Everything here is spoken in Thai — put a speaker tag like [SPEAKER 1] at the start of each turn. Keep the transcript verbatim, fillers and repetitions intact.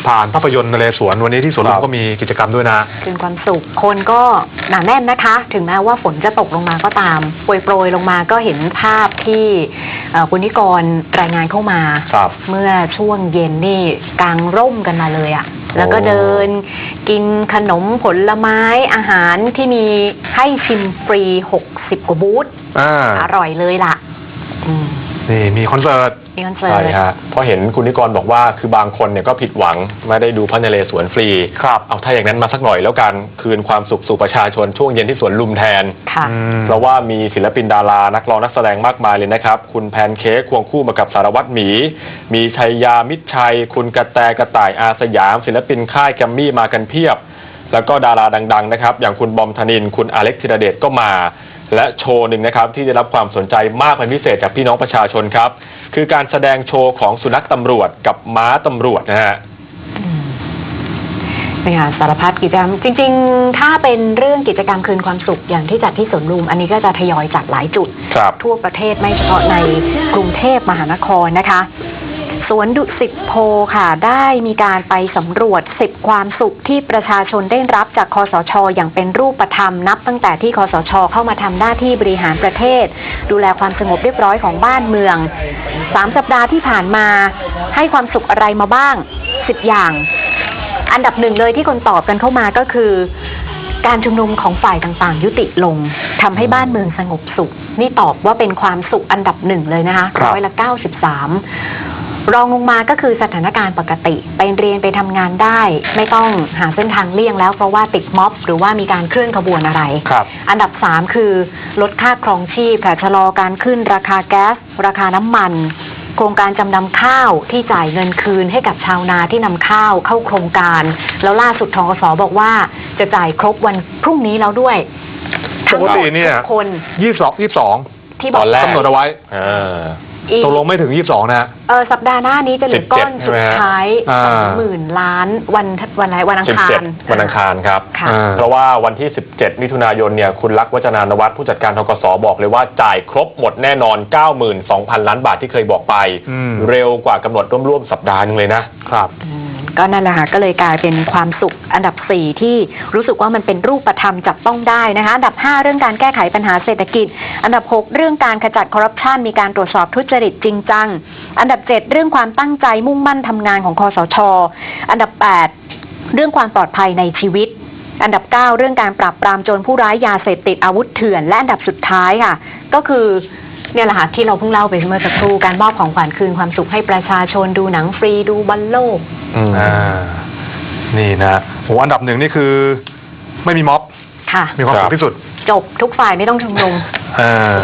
[SPEAKER 1] ผ่านภาพยนตร์นเรศวรวันนี้ที่สวนลุมก็มีกิจกรรมด้วยนะ
[SPEAKER 2] คืนความสุขคนก็หนาแน่นนะคะถึงแม้ว่าฝนจะตกลงมาก็ตามโปรยๆลงมาก็เห็นภาพที่คุณนิกรรายงานเข้ามาเมื่อช่วงเย็นนี่กางร่มกันมาเลยอะแล้วก็เดินกินขนมผลไม้อาหารที่มีให้ชิมฟรีหกสิบกว่าบูธ อ, อร่อยเลยล่ะ
[SPEAKER 1] นี่มีคอนเสิร์ต
[SPEAKER 2] มีคอนเสิร์ตใช่
[SPEAKER 3] ฮะเพราะเห็นคุณนิกรบอกว่าคือบางคนเนี่ยก็ผิดหวังไม่ได้ดูพระนเรศวรฟรี
[SPEAKER 1] ครับ
[SPEAKER 3] เอาถ้าอย่างนั้นมาสักหน่อยแล้วกันคืนความสุขสู่ประชาชนช่วงเย็นที่สวนลุมแทนเพราะว่ามีศิลปินดารานักร้องนักแสดงมากมายเลยนะครับคุณแพนเค้กควงคู่มากับสารวัตรหมีมีชัยยามิตรชัยคุณกระแตกระต่ายอาสยามศิลปินค่ายแกมมี่มากันเพียบแล้วก็ดาราดังๆนะครับอย่างคุณบอมธนินทร์คุณอเล็กธีรเดชก็มาและโชว์หนึ่งนะครับที่ได้รับความสนใจมากเป็นพิเศษจากพี่น้องประชาชนครับคือการแสดงโชว์ของสุนัขตำรวจกับม้าตำรวจนะฮะ
[SPEAKER 2] นี่ค่ะสารพัดกิจกรรมจริงๆถ้าเป็นเรื่องกิจกรรมคืนความสุขอย่างที่จัดที่สวนลุมอันนี้ก็จะทยอยจัดหลายจุดทั่วประเทศไม่เฉพาะในกรุงเทพมหานครนะคะสวนดุสิตโพค่ะได้มีการไปสำรวจสิบความสุขที่ประชาชนได้รับจากคสช.อย่างเป็นรูปธรรมนับตั้งแต่ที่คสช.เข้ามาทำหน้าที่บริหารประเทศดูแลความสงบเรียบร้อยของบ้านเมืองสามสัปดาห์ที่ผ่านมาให้ความสุขอะไรมาบ้างสิบอย่างอันดับหนึ่งเลยที่คนตอบกันเข้ามาก็คือการชุมนุมของฝ่ายต่างๆยุติลงทำให้บ้านเมืองสงบสุขนี่ตอบว่าเป็นความสุขอันดับหนึ่งเลยนะคะร้อยละเก้าสิบสามรองลงมาก็คือสถานการณ์ปกติไปเรียนไปทำงานได้ไม่ต้องหาเส้นทางเลี่ยงแล้วเพราะว่าติดม็อบหรือว่ามีการเคลื่อนขบวนอะไรอันดับสามคือลดค่าครองชีพค่ะชะลอการขึ้นราคาแก๊สราคาน้ำมันโครงการจำนำข้าวที่จ่ายเงินคืนให้กับชาวนาที่นำข้าวเข้าโครงการแล้วล่าสุดธกส.บอกว่าจะจ่ายครบวันพรุ่งนี้แล้วด้วย
[SPEAKER 1] ปกติเนี่ย
[SPEAKER 2] คน
[SPEAKER 1] ยี่สิบสองยี่สิบสอง
[SPEAKER 2] ที่บอก
[SPEAKER 1] กำหนดเอาไว้ตกลงไม่ถึงยี่สิบสองนะ
[SPEAKER 2] เออสัปดาห์หน้านี้จะเหลือก้อนสุดท้ายสองหมื่นล้านวันวันไหนวันอังคาร
[SPEAKER 3] วันอังคารครับเพราะว่าวันที่สิบเจ็ดมิถุนายนเนี่ยคุณลักษณ์วัฒนานวัฒน์ผู้จัดการธกส.บอกเลยว่าจ่ายครบหมดแน่นอน เก้าหมื่นสองพัน ล้านบาทที่เคยบอกไปเร็วกว่ากำหนดร่วมๆสัปดาห์นึงเลยนะครับ
[SPEAKER 2] ก็นั่นแหละค่ะก็เลยกลายเป็นความสุขอันดับสี่ที่รู้สึกว่ามันเป็นรูปธรรมจับต้องได้นะคะอันดับห้าเรื่องการแก้ไขปัญหาเศรษฐกิจอันดับหกเรื่องการขจัดคอร์รัปชันมีการตรวจสอบทุจริตจริงจังอันดับเจ็ดเรื่องความตั้งใจมุ่งมั่นทำงานของคสช.อันดับแปดเรื่องความปลอดภัยในชีวิตอันดับเก้าเรื่องการปราบปรามโจรผู้ร้ายยาเสพติดอาวุธเถื่อนและอันดับสุดท้ายค่ะก็คือเนี่ยแหละค่ะที่เราเพิ่งเล่าไปเมื่อสักครู่การมอบของขวัญคืนความสุขให้ประชาชนดูหนังฟรีดูบอลโลก
[SPEAKER 1] อ่านี่นะโหอันดับหนึ่งนี่คือไม่มีม็อบ
[SPEAKER 2] ค่ะ
[SPEAKER 1] มีความสุขที่สุด
[SPEAKER 2] จบทุกฝ่ายไม่ต้องชุมนุม